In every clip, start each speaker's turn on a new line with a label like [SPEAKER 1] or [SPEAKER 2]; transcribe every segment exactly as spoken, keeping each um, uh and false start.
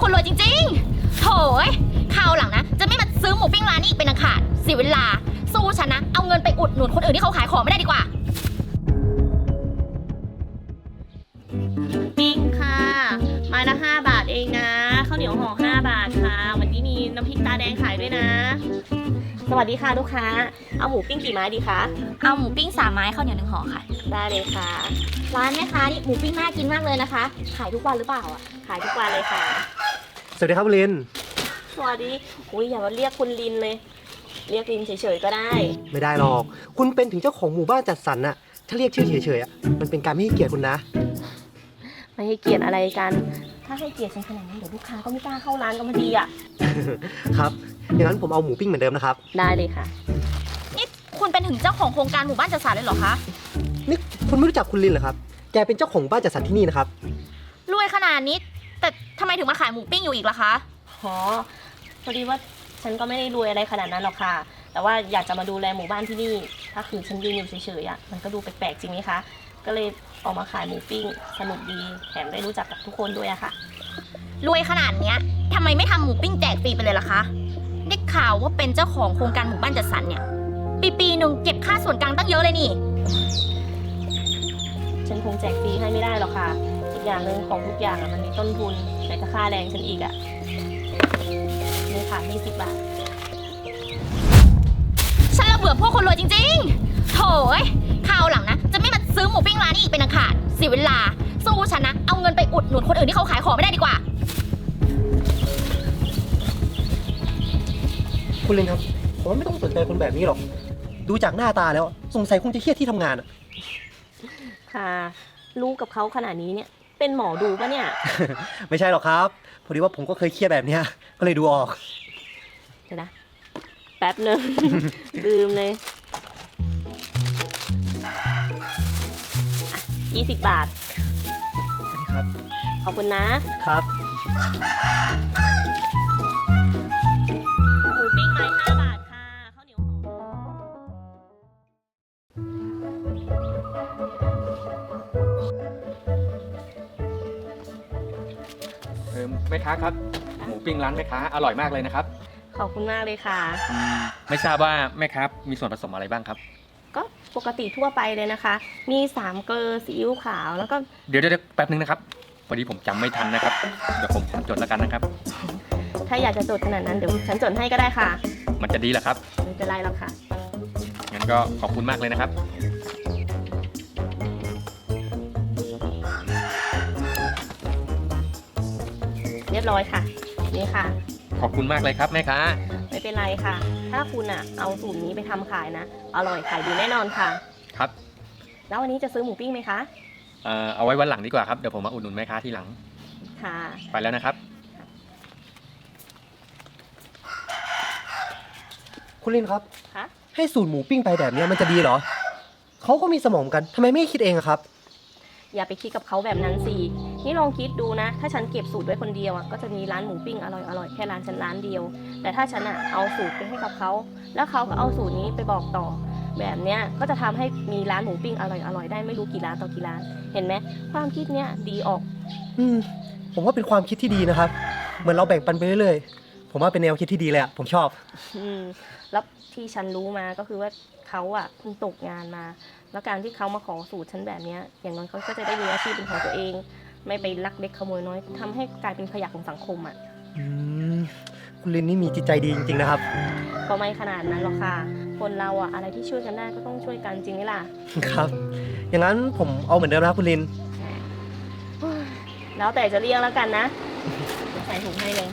[SPEAKER 1] คุณรวยจริงๆโถยคราวหลังนะจะไม่มาซื้อหมูปิ้งร้านนี้อีกเป็นอันขาดเสียเวลาสู้ฉันนะเอาเงินไปอุดหนุนคนอื่นที่เขาขายของไม่ได้ดีกว่า
[SPEAKER 2] ปิ้งค่ะไม้ละห้าบาทเองนะข้าวเหนียวห่อห้าบาทค่ะวันนี้มีน้ำพริกตาแดงขายด้วยนะสวัสดีค่ะลูกค้าเอาหมูปิ้งกี่ไม้ดีคะ
[SPEAKER 1] เอาหมูปิ้งสามไม้ข้าวเหนียวหนึ่งห่อค่ะ
[SPEAKER 2] ได้เลยค่ะ
[SPEAKER 1] ร้านแม่ค้านี่หมูปิ้งน่ากินมากเลยนะคะขายทุกวันหรือเปล่าอ่ะ
[SPEAKER 2] ขายทุกวันเลยค่ะ
[SPEAKER 3] สวัสดีครับคุณลิน
[SPEAKER 2] สวัสดีอุ้ยอย่ามาเรียกคุณลินเลยเรียกลินเฉยๆก็ได้
[SPEAKER 3] ไม่ได้หรอกคุณเป็นถึงเจ้าของหมู่บ้านจัดสรรน่ะถ้าเรียกชื่อเฉยๆอ่ะมันเป็นการไม่ให้เกียรติคุณนะ
[SPEAKER 2] ไม่ให้เกียรติอะไรกันถ้าให้เกียรติฉันขนาดนั้นเดี๋ยวลูกค้าก็ไม่กล้าเข้าร้านก็มาดีอ่ะ
[SPEAKER 3] ครับอย่างนั้นผมเอาหมูปิ้งเหมือนเดิมนะครับ
[SPEAKER 2] ได้เลยค่ะ
[SPEAKER 1] นี่คุณเป็นถึงเจ้าของโครงการหมู่บ้านจัดสรรเลยเหรอคะ
[SPEAKER 3] นี่คุณไม่รู้จักคุณลินเหรอครับแกเป็นเจ้าของหมู่บ้านจัดสรรที่นี่นะครับ
[SPEAKER 1] รวยขนาดนี้แต่ทำไมถึงมาขายหมูปิ้งอยู่อีกล่ะคะ
[SPEAKER 2] อ๋อพอดีว่าฉันก็ไม่ได้รวยอะไรขนาดนั้นหรอกค่ะแต่ว่าอยากจะมาดูแลหมู่บ้านที่นี่ถ้าคือฉันยืนอยู่เฉยๆอ่ะมันก็ดูแปลกๆจริงไหมคะก็เลยออกมาขายหมูปิ้งสนุกดีแถมได้รู้จักกับทุกคนด้วยอะค่ะ
[SPEAKER 1] รวยขนาดเนี้ยทำไมไม่ทำหมูปิ้งแจกฟรีไปเลยล่ะคะได้ข่าวว่าเป็นเจ้าของโครงการหมู่บ้านจัดสรรเนี่ยปีปีหนึ่งเก็บค่าส่วนกลางตั้งเยอะเลยนี่
[SPEAKER 2] ฉันคงแจกฟรีให้ไม่ได้หรอกค่ะอีกอย่างหนึ่งของทุกอย่างมันมีต้นทุนไหนจะค่าแรงฉันอีกอะนี่ค่ะยี่สิบบาท
[SPEAKER 1] ฉันระเบื่อพวกคนรวยจริงๆโถยคราวหลังนะจะไม่มาซื้อหมูปิ้งร้านนี้อีกเป็นอันขาดเสียเวลาสู้ฉันนะเอาเงินไปอุดหนุนคนอื่นที่เขาขายของไม่ได้ดีกว่า
[SPEAKER 3] คุณลินครับผมว่าไม่ต้องสนใจคนแบบนี้หรอกดูจากหน้าตาแล้วสงสัยคงจะเครียดที่ทำงานอะ
[SPEAKER 2] ค่ะรู้กับเขาขนาดนี้เนี่ยเป็นหมอดูปะเนี่ย
[SPEAKER 3] ไม่ใช่หรอกครับพอดีว่าผมก็เคยเครียดแบบเนี้ยก็เลยดูออก
[SPEAKER 2] เดี๋ยวนะแป๊บนึง ลืมเลยยี่สิบบาท
[SPEAKER 3] ครับ
[SPEAKER 2] ขอบคุณนะครับหมูปิ้งไม้ห้าบาทค่ะข้าวเหนียวหอม
[SPEAKER 4] เออแม่ค้าครับหมูปิ้งร้านแม่ค้าอร่อยมากเลยนะครับ
[SPEAKER 2] ขอบคุณมากเลยค่ะ
[SPEAKER 4] ไม่ทราบว่าแม่ค้ามีส่วนผสมอะไรบ้างครับ
[SPEAKER 2] ก็ปกติทั่วไปเลยนะคะมีสามเกลือซีอิ๊วขาวแล้วก็
[SPEAKER 4] เดี๋ยวเดี๋ยวแป๊บนึงนะครับพอดีผมจำไม่ทันนะครับเดี๋ยวผมจดแล้วกันนะครับ
[SPEAKER 2] ถ้าอยากจะจดขนาดนั้นเดี๋ยวฉันจดให้ก็ได้ค่ะ
[SPEAKER 4] มันจะดีเหรอครับ
[SPEAKER 2] ไม่เป็นไรหรอกค่ะ
[SPEAKER 4] งั้นก็ขอบคุณมากเลยนะครับ
[SPEAKER 2] เรียบร้อยค่ะนี่ค่ะ
[SPEAKER 4] ขอบคุณมากเลยครับแม่ค้า
[SPEAKER 2] ไม่เป็นไรค่ะถ้าคุณอ่ะเอาสูตรนี้ไปทำขายนะอร่อยขายดีแน่นอนค่ะ
[SPEAKER 4] ครับ
[SPEAKER 2] แล้ววันนี้จะซื้อหมูปิ้งไหมคะ
[SPEAKER 4] เอ่อเอาไว้วันหลังดีกว่าครับเดี๋ยวผมมาอุดหนุนแม่ค้าทีหลัง
[SPEAKER 2] ค่ะ
[SPEAKER 4] ไปแล้วนะครับ
[SPEAKER 3] คุณลินครับ
[SPEAKER 2] คะ
[SPEAKER 3] ให้สูตรหมูปิ้งไปแบบนี้มันจะดีเหรอเขาก็มีสมองกันทำไมไม่คิดเองครับ
[SPEAKER 2] อย่าไปคิดกับเขาแบบนั้นสินี่ลองคิดดูนะถ้าฉันเก็บสูตรไว้คนเดียวอ่ะก็จะมีร้านหมูปิ้งอร่อยอร่อยแค่ร้านฉันร้านเดียวแต่ถ้าฉันอ่ะเอาสูตรไปให้กับเขาแล้วเขาก็เอาสูตรนี้ไปบอกต่อแบบเนี้ยก็จะทำให้มีร้านหมูปิ้งอร่อยอร่อยได้ไม่รู้กี่ร้านต่อกี่ร้านเห็นไหมความคิดเนี้ยดีออก
[SPEAKER 3] อืมผมว่าเป็นความคิดที่ดีนะครับเหมือนเราแบ่งปันไปเรื่อยๆผมว่าเป็นแนวคิดที่ดีเลยอ่ะผมชอบ
[SPEAKER 2] อืมแล้วที่ฉันรู้มาก็คือว่าเขาอ่ะเพิ่งตกงานมาแล้วการที่เขามาขอสูตรฉันแบบนี้อย่างน้อยเขาก็จะได้มีอาชีพเป็นของตัวเองไม่ไปลักเล็กขโมยน้อยทำให้กลายเป็นขยะของสังคมอ่ะ
[SPEAKER 3] อืมคุณลินนี่มีจิตใจดีจริงๆนะครับ
[SPEAKER 2] ก็ไม่ขนาดนั้นหรอกค่ะคนเราอ่ะอะไรที่ช่วยกันได้ก็ต้องช่วยกันจริงไหมล่ะ
[SPEAKER 3] ครับอย่างนั้นผมเอาเหมือนเดิมนะคุณลิน
[SPEAKER 2] แล้วแต่จะเรียกแล้วกันนะใส่ถุงให้เลย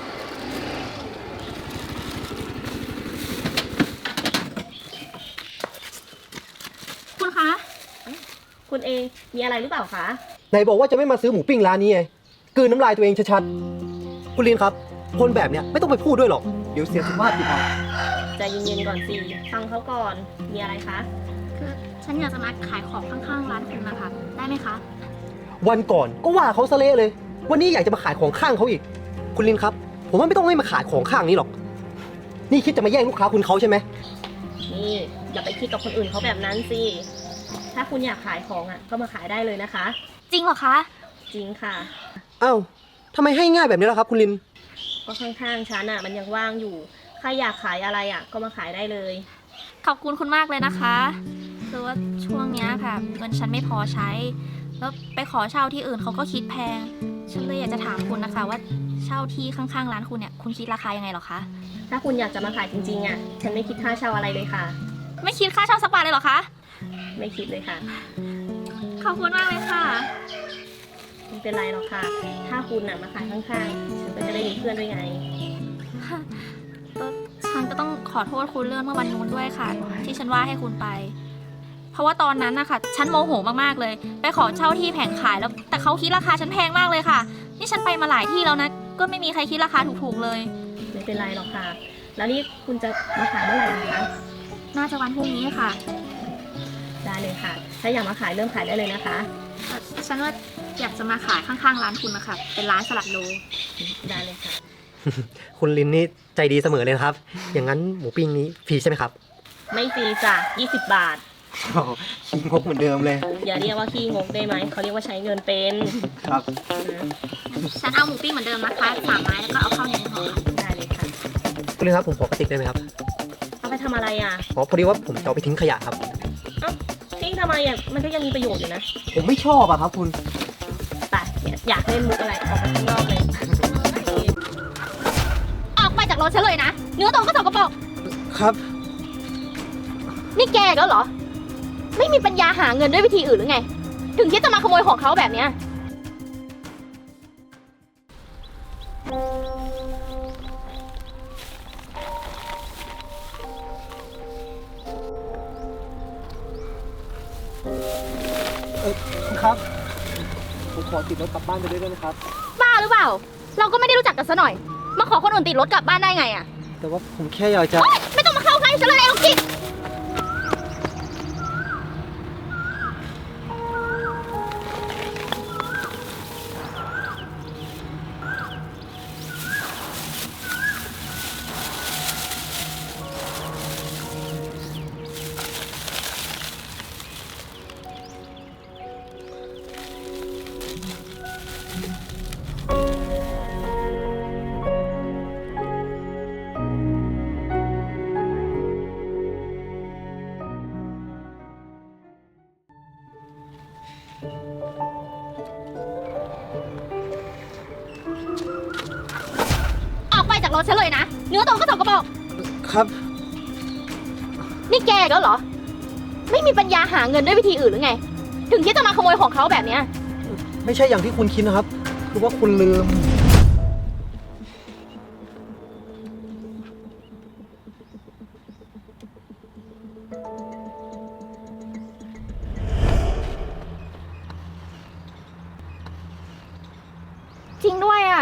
[SPEAKER 1] คุณคะ
[SPEAKER 2] คุณเองมีอะไรหรือเปล่าคะ
[SPEAKER 3] ไหนบอกว่าจะไม่มาซื้อหมูปิ้งร้านนี้ไงกลืนน้ำลายตัวเองชัดๆคุณลินครับคนแบบเนี้ยไม่ต้องไปพูดด้วยหรอกเดี๋ยวเสียสุขภาพจิตเอา
[SPEAKER 2] ใจเย็นๆก่อนสิฟังเขาก่อนมีอะไรคะ
[SPEAKER 1] คือฉันอยากจะมาขายของข้างๆร้านคุณนะคะได้ไหมคะ
[SPEAKER 3] วันก่อนก็ว่าเขาซะเละเลยวันนี้อยากจะมาขายของข้างเขาอีกคุณลินครับผมว่าไม่ต้องให้มาขายของข้างนี้หรอกนี่คิดจะมาแย่งลูกค้าคุณเขาใช่ไหม
[SPEAKER 2] นี่อย่าไปคิดกับคนอื่นเขาแบบนั้นสิถ้าคุณอยากขายของอ่ะก็มาขายได้เลยนะคะ
[SPEAKER 1] จริงเหรอคะ
[SPEAKER 2] จริงค่ะ
[SPEAKER 3] อ้าวทำไมให้ง่ายแบบนี้ล่ะครับ คุณลิน
[SPEAKER 2] ก็ข้างๆฉันอ่ะมันยังว่างอยู่ใครอยากขายอะไรอ่ะก็มาขายได้เลย
[SPEAKER 1] ขอบคุณคุณมากเลยนะคะคือว่าช่วงเนี้ยค่ะเงินฉันไม่พอใช้ แล้วไปขอเช่าที่อื่นเขาก็คิดแพง ฉันเลยอยากจะถามคุณนะคะ ว่าเช่าที่ข้างๆร้านคุณเนี่ยคุณคิดราคายังไงเหรอคะ
[SPEAKER 2] ถ้าคุณอยากจะมาขายจริงๆอ่ะฉันไม่คิดค่าเช่าอะไรเลยค่ะ
[SPEAKER 1] ไม่คิดค่าเช่าสักบาทเลยเหรอคะ
[SPEAKER 2] ไม่คิดเลยค่ะ
[SPEAKER 1] ขอบคุณมากเลยค่ะ
[SPEAKER 2] ไม่เป็นไรหรอกค่ะ ถ้าคุณน่ะมาขายข้างๆฉันก็จะได้มีเพื่อนด้วยไง
[SPEAKER 1] ฉันก็ต้องขอโทษคุณเรื่องเมื่อวันนู้นด้วยค่ะ ที่ฉันว่าให้คุณไป เพราะว่าตอนนั้นนะคะฉันโมโหมากๆเลย ไปขอเช่าที่แผงขายแล้วแต่เขาคิดราคาฉันแพงมากเลยค่ะ นี่ฉันไปมาหลายที่แล้วนะ ก็ไม่มีใครคิดราคาถูกๆเลย
[SPEAKER 2] ไม่เป็นไรหรอกค่ะ แล้วนี่คุณจะมาขายเมื่อไหร่นะคะ
[SPEAKER 1] น่าจะวันพรุ่งนี้ค่ะ
[SPEAKER 2] ได้เลยค่ะ ถ้าอยากมาขายเริ่มขายได้เลยนะคะ
[SPEAKER 1] ฉันว่าอยากจะมาขายข้างๆร้านคุณนะคะเป็นร้านสลัดโล
[SPEAKER 2] ได้เลยค่ะ
[SPEAKER 3] คุณลินนี่ใจดีเสมอเลยนะครับ อย่างนั้นหมูปิ้งนี้ฟรีใช่ไหมครับ
[SPEAKER 2] ไม่ฟรีจ้ะยี่สิบบาท
[SPEAKER 3] ขี้งกเหมือนเดิมเลย
[SPEAKER 2] อย่าเรียกว่าขี้งกได้ไหม เขาเรียกว่าใช้เงินเป็น
[SPEAKER 3] ครับ
[SPEAKER 2] นะ
[SPEAKER 1] ฉันเอาหมูปิ้งเหมือนเดิมนะคะสามไม้แล้วก็เอาข้าวเหนียวห่อค่ะ
[SPEAKER 2] ได้เลยค่ะ
[SPEAKER 3] คุณลินครับผมขอกระติกได้ไหมครับ
[SPEAKER 2] เอาไปทำอะไรอ่ะ
[SPEAKER 3] อ๋อพอดีว่าผมจะเอาไปทิ้งขยะครับ
[SPEAKER 2] เอ้าทิ้งทำไมอ่ะ มันก็ยังมีประโยชน์อยู่นะ
[SPEAKER 3] ผมไม่ชอบอะครับคุณ
[SPEAKER 2] แต่อยากเล่นมุกอะไรออกไปข้างนอกเลย
[SPEAKER 1] ออกไปจากรถฉันเลยนะ เนื้อตัวก็สกปรก
[SPEAKER 3] ครับ
[SPEAKER 1] นี่แกอีกแล้วเหรอ ไม่มีปัญญาหาเงินด้วยวิธีอื่นหรือไง ถึงคิดจะมาขโมยของเขาแบบเนี้ย
[SPEAKER 3] เออคุณครับ ผมขอติดรถกลับบ้านไปด้วยได้ไหมครับ
[SPEAKER 1] บ้าหรือเปล่า เราก็ไม่ได้รู้จักกันซะหน่อย มาขอคนอื่นติดรถกลับบ้านได้ไงอะ
[SPEAKER 3] แต่ว่าผมแค่อยากจะ
[SPEAKER 1] โอ๊ยไม่ต้องมาเข้าใกล้ฉันเลยไอ้ลูกจิต ออกไปจากรถฉันเลยนะ เนื้อตัวก็สกปรก
[SPEAKER 3] ครับ
[SPEAKER 1] นี่แกอีกแล้วเหรอ ไม่มีปัญญาหาเงินด้วยวิธีอื่นหรือไง ถึงคิดจะมาขโมยของเขาแบบเนี้ย
[SPEAKER 3] ไม่ใช่อย่างที่คุณคิดนะครับ คือว่าคุณลืม
[SPEAKER 1] จริงด้วยอ่ะ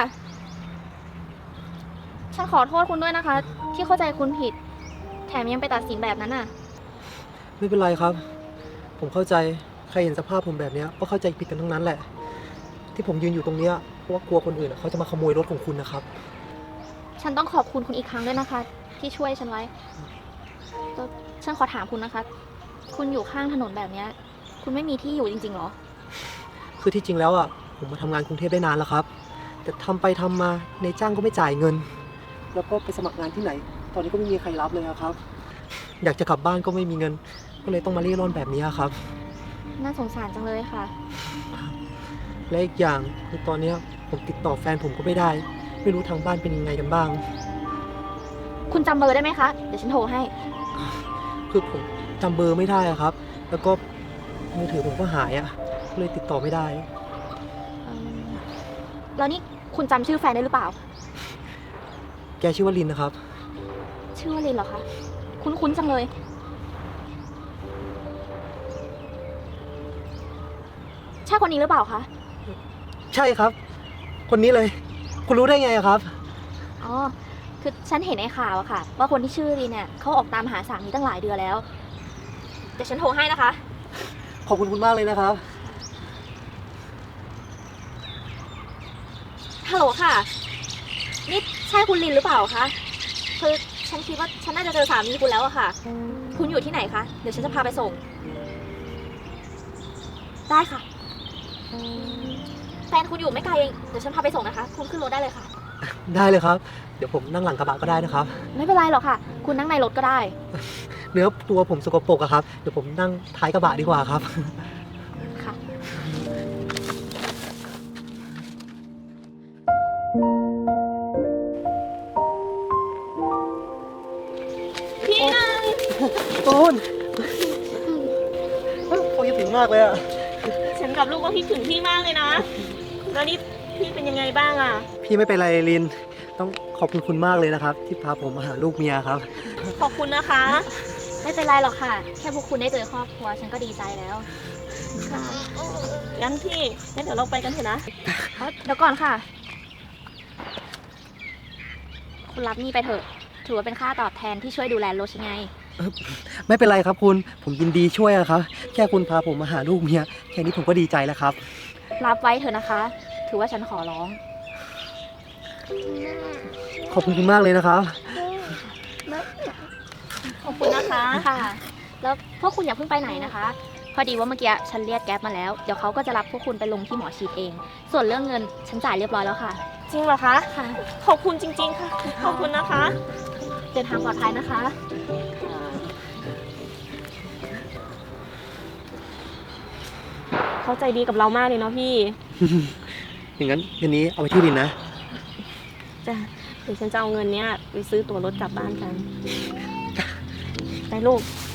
[SPEAKER 1] ฉันขอโทษคุณด้วยนะคะ ที่เข้าใจคุณผิด แถมยังไปตัดสินแบบนั้นอ่ะ
[SPEAKER 3] ไม่เป็นไรครับ ผมเข้าใจ ใครเห็นสภาพผมแบบเนี้ยก็เข้าใจผิดกันทั้งนั้นแหละ ที่ผมยืนอยู่ตรงเนี้ยเพราะว่ากลัวคนอื่นอะเขาจะมาขโมยรถของคุณนะครับ
[SPEAKER 1] ฉันต้องขอบคุณคุณอีกครั้งด้วยนะคะ ที่ช่วยฉันไว้แต่ฉันขอถามคุณนะคะ คุณอยู่ข้างถนนแบบเนี้ย คุณไม่มีที่อยู่จริงๆเหรอ
[SPEAKER 3] คือที่จริงแล้วอ่ะผมมาทำงานกรุงเทพได้นานแล้วครับ แต่ทำไปทำมาในจ้างก็ไม่จ่ายเงิน แล้วก็ไปสมัครงานที่ไหน ตอนนี้ก็ไม่มีใครรับเลยอะครับ อยากจะกลับบ้านก็ไม่มีเงิน ก็เลยต้องมาเร่ร่อนแบบนี้ครับ
[SPEAKER 1] น่าสงสารจังเลยค่ะ
[SPEAKER 3] และอีกอย่างคือตอนเนี้ยผมติดต่อแฟนผมก็ไม่ได้ ไม่รู้ทางบ้านเป็นยังไงกันบ้าง
[SPEAKER 1] คุณจำเบอร์ได้ไหมคะ เดี๋ยวฉันโทรให้
[SPEAKER 3] คือผมจำเบอร์ไม่ได้อะครับ แล้วก็มือถือผมก็หายอะก็เลยติดต่อไม่ได้
[SPEAKER 1] เอิ่มแล้วนี่คุณจำชื่อแฟนได้หรือเปล่า
[SPEAKER 3] แกชื่อว่าลินนะครับ
[SPEAKER 1] ชื่อว่าลินเหรอคะ คุ้นๆจังเลย ใช่คนนี้หรือเปล่าคะ
[SPEAKER 3] ใช่ครับ คนนี้เลย คุณรู้ได้ไงอะครับ
[SPEAKER 1] อ๋อ คือฉันเห็นในข่าวอะค่ะ ว่าคนที่ชื่อลินเนี่ยเขาออกตามหาสามีตั้งหลายเดือนแล้ว เดี๋ยวฉันโทรให้นะคะ
[SPEAKER 3] ขอบคุณคุณมากเลยนะครับ
[SPEAKER 1] ฮัลโหลค่ะ นี่ใช่คุณลินหรือเปล่าคะ คือฉันคิดว่าฉันน่าจะเจอสามีคุณแล้วอะค่ะ คุณอยู่ที่ไหนคะ เดี๋ยวฉันจะพาไปส่ง ได้ค่ะแฟนคุณอยู่ไม่ไกลเอง เดี๋ยวฉันพาไปส่งนะคะ คุณขึ้นรถได้เลยค่ะ
[SPEAKER 3] ได้เลยครับ เดี๋ยวผมนั่งหลังกระบะก็ได้นะครับ
[SPEAKER 1] ไม่เป็นไรหรอกค่ะ คุณนั่งในรถก็ได้
[SPEAKER 3] เนื้อตัวผมสกปรกอะครับ เดี๋ยวผมนั่งท้ายกระบะดีกว่าครับ
[SPEAKER 1] ค่ะ
[SPEAKER 2] พี่นัน
[SPEAKER 3] ตูนโอ้ยผิวมากเลยอะ
[SPEAKER 2] ฉันกับลูกก็คิดถึงพี่มากเลยนะ แล้วนี่พี่เป็นยังไงบ้างอะ
[SPEAKER 3] พี่ไม่เป็นไรลิน ต้องขอบคุณคุณมากเลยนะครับ ที่พาผมมาหาลูกเมียครับ
[SPEAKER 2] ขอบคุณนะคะ
[SPEAKER 1] ไม่เป็นไรหรอกค่ะ แค่พวกคุณได้เจอครอบครัว ฉันก็ดีใจแล้ว
[SPEAKER 2] ค่ะงั้นพี่งั้นเดี๋ยวเราไปกันเถอะนะ
[SPEAKER 1] เดี๋ยวก่อนค่ะ คุณรับนี่ไปเถอะ ถือว่าเป็นค่าตอบแทนที่ช่วยดูแลรถฉันไง
[SPEAKER 3] ไม่เป็นไรครับคุณ ผมยินดีช่วยอะครับ แค่คุณพาผมมาหาลูกเมีย แค่นี้ผมก็ดีใจแล้วครับ
[SPEAKER 1] รับไว้เถอะนะคะ ถือว่าฉันขอร้อง
[SPEAKER 3] ขอบคุณคุณมากเลยนะครับ
[SPEAKER 2] ขอบคุณนะคะ
[SPEAKER 1] ค่ะ แล้วพวกคุณอย่าเพิ่งไปไหนนะคะ พอดีว่าเมื่อกี้ฉันเรียกแก๊ปมาแล้ว เดี๋ยวเขาก็จะรับพวกคุณไปลงที่หมอฉีดเอง ส่วนเรื่องเงินฉันจ่ายเรียบร้อยแล้วค่ะ
[SPEAKER 2] จริงเหรอคะ
[SPEAKER 1] ค่ะ
[SPEAKER 2] ขอบคุณจริง ๆ ค่ะ ขอบคุณนะคะ
[SPEAKER 1] เดินทางปลอดภัยนะคะ
[SPEAKER 2] เขาใจดีกับเรามากเลยเนาะพี่
[SPEAKER 3] อย่างนั้นเงินนี้เอาไปที่ลินนะ
[SPEAKER 2] จ้ะเดี๋ยวฉันจะเอาเงินเนี้ยไปซื้อตั๋วรถกลับบ้านกัน ไปลูก